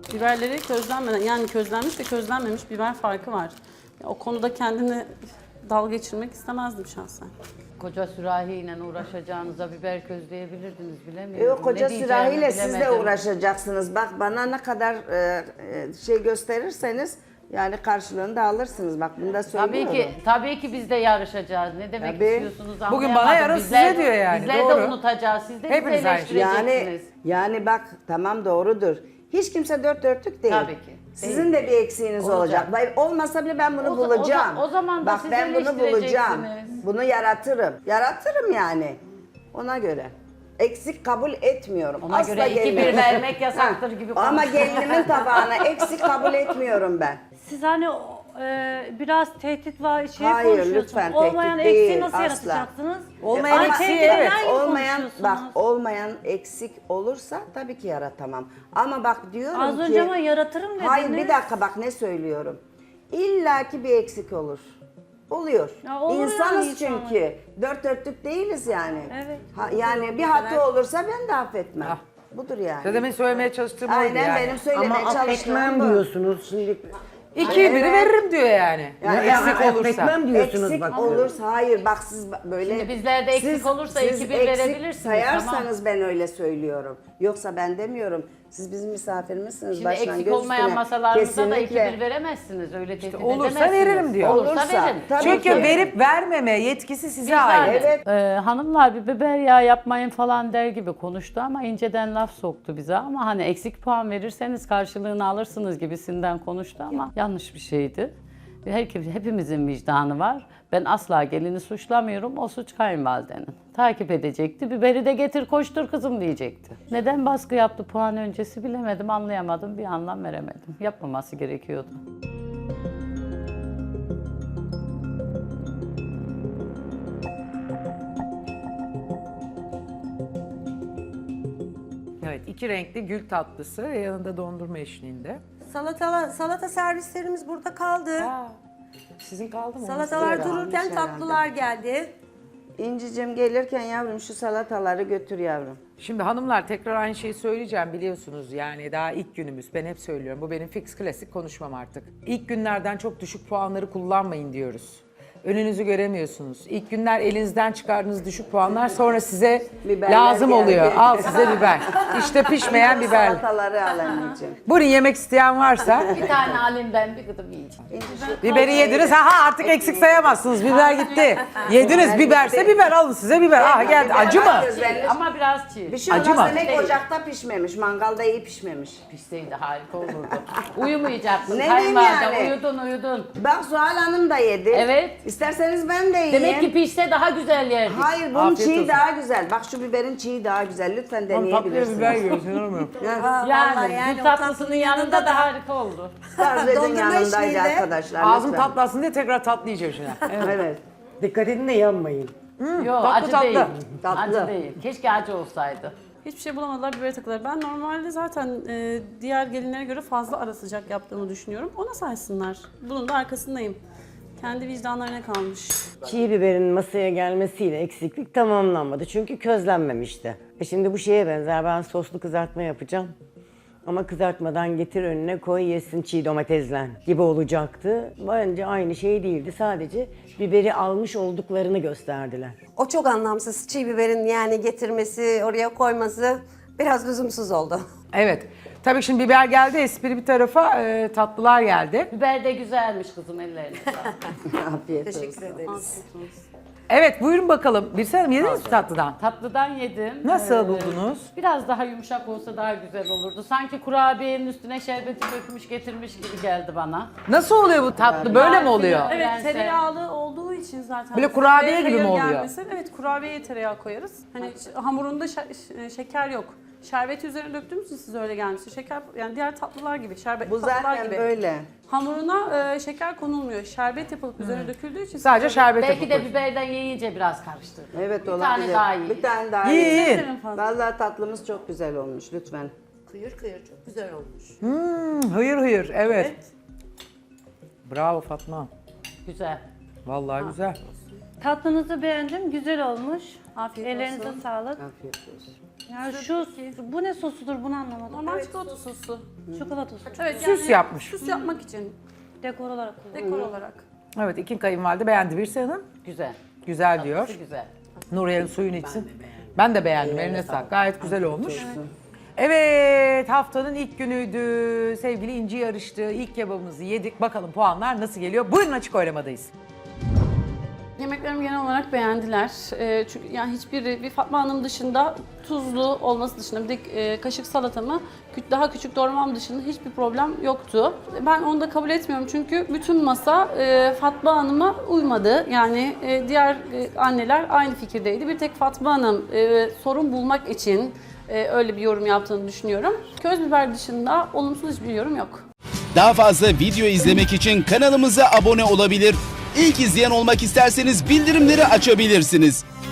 Biberleri közlenmeden, yani közlenmiş ve közlenmemiş biber farkı var. Ya, o konuda kendini dalga geçirmek istemezdim şahsen. Koca sürahiyle uğraşacağınıza biber közleyebilirdiniz, bilemiyorum. Yok, koca Ne diyeceğimi sürahiyle siz de bilemedim. uğraşacaksınız. Bak bana ne kadar şey gösterirseniz yani karşılığını da alırsınız. Bak bunu da söylüyorum. Tabii ki biz de yarışacağız. Ne demek Tabii. istiyorsunuz Bugün anlayamadım. bana yarın size diyor yani, Bizler doğru. de unutacağız. Siz de bizi Hepimiz aynı şey. eleştireceksiniz. Yani bak tamam doğrudur. Hiç kimse dört dörtlük değil. Tabii ki. Sizin de bir eksiğiniz olacak. Olmasa bile ben bunu bulacağım. O zaman da bak siz ben bunu bulacağım. eleştireceksiniz. Bunu yaratırım. Yaratırım yani. Ona göre. Eksik kabul etmiyorum. Ona Asla göre 2-1 gelinime- vermek yasaktır gibi Ama konuşuyor. gelinimin tabağına eksik kabul etmiyorum ben. Siz hani biraz tehdit var şey Hayır, konuşuyorsunuz. lütfen, Olmayan tehdit eksiği değil, nasıl asla. yaratacaksınız? Olmayan Ama eksiği, tehdit evet. eden gibi Olmayan bak konuşuyorsunuz. olmayan eksik olursa tabii ki yaratamam. Ama bak diyorum Az ki önce ama yaratırım dediniz. hayır bir dakika bak ne söylüyorum. İlla ki bir eksik olur. Oluyor. Ya olur İnsanız yani çünkü. Dört dörtlük değiliz yani. Evet. Yani bir hata olursa ben de affetmem. Ah. Budur yani. Ya demin söylemeye çalıştığım oydu Aynen yani. benim söylemeye Ama çalıştığım affetmem bu. diyorsunuz şimdi. 2'ye 1'i veririm diyor yani. Yani Eksik olursa. Affetmem diyorsunuz Eksik bak. olursa hayır bak siz böyle Şimdi bizlerde eksik olursa 2-1 eksik verebilirsiniz, sayarsanız ben öyle söylüyorum. Yoksa ben demiyorum. Siz bizim misafirimizsiniz. Şimdi baştan eksik göz olmayan üstüne. masalarımıza da Kesinlikle. 2-1 veremezsiniz. Öyle tehdit olursa edemezsiniz. veririm diyor. Olursa Olursa, verin. tabii Çünkü ki. verip vermeme yetkisi size Vicdan. ait. Evet. Hanımlar bir biber yağı yapmayın falan der gibi konuştu ama inceden laf soktu bize ama hani eksik puan verirseniz karşılığını alırsınız gibisinden konuştu ama yanlış bir şeydi. Hepimizin vicdanı var. Ben asla gelini suçlamıyorum. O suç kayınvalidenin. Takip edecekti. Biberi de getir koştur kızım diyecekti. Neden baskı yaptı puan öncesi bilemedim, anlayamadım. Bir anlam veremedim. Yapmaması gerekiyordu. Evet, 2 renkli gül tatlısı yanında dondurma eşliğinde. Salata servislerimiz burada kaldı. Sizin kaldı mı? Salatalar Güzel dururken olmuş tatlılar geldi. İncicim gelirken yavrum şu salataları götür yavrum. Şimdi hanımlar tekrar aynı şeyi söyleyeceğim biliyorsunuz yani daha ilk günümüz ben hep söylüyorum bu benim fix klasik konuşmam artık. İlk günlerden çok düşük puanları kullanmayın diyoruz. Önünüzü göremiyorsunuz. İlk günler elinizden çıkardığınız düşük puanlar sonra size Biberler lazım geldi. oluyor. Al size biber. İşte pişmeyen biber. Salataları al anneciğim. Bunu yemek isteyen varsa Bir tane alayım ben bir gıdım yiyeceğim. biberi yediniz. Ha artık eksik sayamazsınız. Biber gitti. Yediniz biberse biber alın size biber. Ah geldi. Acı mı? Ama biraz çiğ. Bir şey Acı olmaz mı? demek ocakta pişmemiş, mangalda iyi pişmemiş. Pişseydi harika olurdu. Uyumayacaktın. Ne Kayınvalide diyeyim yani? uyudun. Bak Zuhal Hanım da yedi. Evet. İsterseniz ben de yiyeyim. Demek ki pişse daha güzel yerdik. Hayır bunun Afiyet çiğ olsun. daha güzel. Bak şu biberin çiğ daha güzel. Lütfen deneyebilirsiniz. yiyorsun hanım. Yani, yani gül o tatlısının tatlının yanında yanında da harika oldu. Gazze'nin Dondurma yanındaydı eşliğinde. arkadaşlar. Ağzım lütfen. tatlasın diye tekrar tatlı yiyeceğim şimdi. Evet. Dikkat edin de yanmayın. Yok tatlı, acı tatlı. değil. Tatlı. Acı değil. Keşke acı olsaydı. Hiçbir şey bulamadılar, biberi takılar. Ben normalde zaten diğer gelinlere göre fazla ara sıcak yaptığımı düşünüyorum. Ona saysınlar. Bunun da arkasındayım. Kendi vicdanlarına kalmış. Çiğ biberin masaya gelmesiyle eksiklik tamamlanmadı. Çünkü közlenmemişti. Şimdi bu şeye benzer. Ben soslu kızartma yapacağım. Ama kızartmadan getir önüne koy yesin çiğ domatesle gibi olacaktı. Bence aynı şey değildi. Sadece biberi almış olduklarını gösterdiler. O çok anlamsız. Çiğ biberin yani getirmesi, oraya koyması biraz lüzumsuz oldu. Evet. Tabii şimdi biber geldi, espri bir tarafa, tatlılar geldi. Biber de güzelmiş kızım ellerine. Afiyet Teşekkür olsun. ederiz. Evet, buyurun bakalım. Bir sen yediniz mi tatlıdan? Tatlıdan yedim. Nasıl buldunuz? Biraz daha yumuşak olsa daha güzel olurdu. Sanki kurabiyenin üstüne şerbeti dökmüş getirmiş gibi geldi bana. Nasıl oluyor bu tatlı? Böyle mi oluyor? Evet, Prenses. tereyağlı olduğu için zaten. Böyle kurabiye Hayır, gibi mi oluyor? gelmesin. Evet, kurabiyeye tereyağı koyarız. Hani hamurunda şeker yok. Şerbeti üzerine döktüğümüz için size öyle gelmişti. Şeker, yani diğer tatlılar gibi, şerbet Bu tatlılar zaten gibi. böyle. Hamuruna şeker konulmuyor. Şerbet yapılıp üzerine döküldüğü için. Sadece şerbet Belki de yapıp. biberden yiyince biraz karıştırdı. Evet Bir olabilir. tane daha iyi. Bir tane daha İyi, iyi. iyi. Vallahi tatlımız çok güzel olmuş lütfen. Kıyır kıyır çok güzel olmuş. Hıyır hıyır, evet. Bravo Fatma. Güzel. Vallahi güzel. Tatlınızı beğendim. Güzel olmuş. Afiyet Ellerinize olsun. sağlık. Yani bu ne sosudur bunu anlamadım. Normal çikolata sosu. Çikolata sosu. Evet, Süs yapmış. Süs yapmak için, Dekor olarak kullanılıyor. dekor olarak. Evet, iki kayınvalide beğendi. Birse Hanım Güzel. güzel diyor. Tatlısı güzel. Nuriye'nin suyunu içsin. Ben de beğendim. Eline sağlık. Gayet güzel olmuş. Evet, haftanın ilk günüydü. Sevgili İnci yarıştı. İlk kebabımızı yedik. Bakalım puanlar nasıl geliyor? Buyurun, açık oylamadayız. Yemeklerimi genel olarak beğendiler. Çünkü yani hiçbiri bir Fatma Hanım dışında tuzlu olması dışında bir de kaşık salatamı daha küçük doğramam dışında hiçbir problem yoktu. Ben onu da kabul etmiyorum çünkü bütün masa Fatma Hanım'a uymadı. Yani diğer anneler aynı fikirdeydi. Bir tek Fatma Hanım sorun bulmak için öyle bir yorum yaptığını düşünüyorum. Köz biber dışında olumsuz hiçbir yorum yok. Daha fazla video izlemek için kanalımıza abone olabilir. İlk izleyen olmak isterseniz bildirimleri açabilirsiniz.